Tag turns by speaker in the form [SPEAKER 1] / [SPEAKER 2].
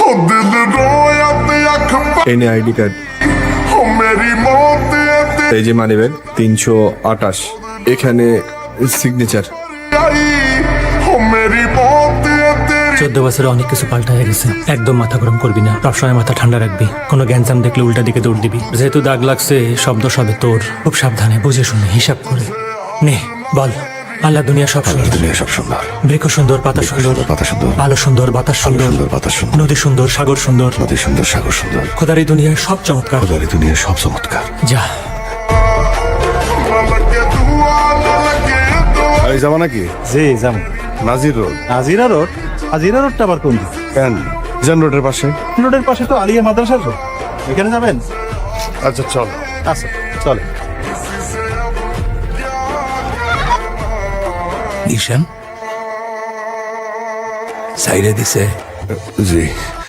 [SPEAKER 1] এনে ID card, এই যে মানিব্যাগ 328, এখানে সিগনেচার।
[SPEAKER 2] 14 বছরে অনেক কিছু পাল্টা হয়ে গেছে। একদম মাথা গরম করবি না, সবসময় মাথা ঠান্ডা রাখবি। কোনো গ্যাঞ্জাম দেখলে উল্টা দিকে দৌড় দিবি। যেহেতু দাগ লাগছে, শব্দ সবে তোর। খুব সাবধানে, বুঝে শুনে, হিসাব করে নে। বল, আল্লাহ দুনিয়া সব সুন্দর,
[SPEAKER 3] দুনিয়া সব সুন্দর,
[SPEAKER 2] বৃক্ষ সুন্দর, পাতা সুন্দর,
[SPEAKER 3] পাতা সুন্দর,
[SPEAKER 2] আলো সুন্দর, বাতাস সুন্দর,
[SPEAKER 3] বাতাস সুন্দর,
[SPEAKER 2] নদী সুন্দর, সাগর সুন্দর,
[SPEAKER 3] নদী সুন্দর, সাগর সুন্দর।
[SPEAKER 2] খোদার এই দুনিয়ার সব চমৎকার।
[SPEAKER 3] খোদার এই দুনিয়ার সব চমৎকার।
[SPEAKER 2] যা।
[SPEAKER 3] এই যাবা নাকি?
[SPEAKER 4] জি যাম।
[SPEAKER 3] নাজির রোড।
[SPEAKER 4] আজিরা রোড? আজিরা রোডটা আবার কোন দিকে?
[SPEAKER 3] কেন? জান রোডের পাশে।
[SPEAKER 4] রোডের পাশে তো আলিয়া মাদ্রাসার রোড, এখানে যাবেন?
[SPEAKER 3] আচ্ছা চল।
[SPEAKER 4] আচ্ছা চলে।
[SPEAKER 5] নিশান সাইরে দিছে।
[SPEAKER 3] জি।